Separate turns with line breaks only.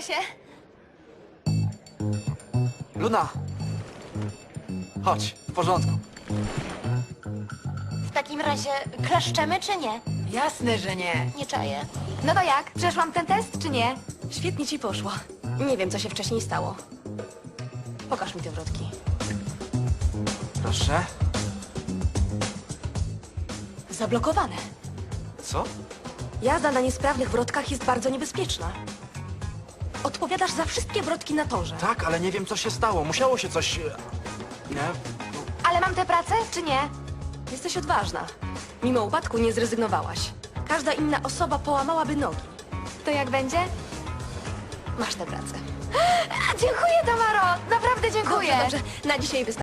się.
Luna! Chodź, w porządku.
W takim razie klaszczemy czy nie?
Jasne, że nie.
Nie czaję. No to jak? Przeszłam ten test czy nie?
Świetnie ci poszło. Nie wiem, co się wcześniej stało. Pokaż mi te wrotki.
Proszę.
Zablokowane.
Co?
Jazda na niesprawnych wrotkach jest bardzo niebezpieczna. Odpowiadasz za wszystkie wrotki na torze.
Tak, ale nie wiem, co się stało. Musiało się coś... Nie?
Ale mam tę pracę czy nie?
Jesteś odważna. Mimo upadku nie zrezygnowałaś. Każda inna osoba połamałaby nogi.
To jak będzie?
Masz tę pracę.
Dziękuję, Tamaro! Naprawdę dziękuję!
Dobrze, dobrze. Na dzisiaj wystarczy.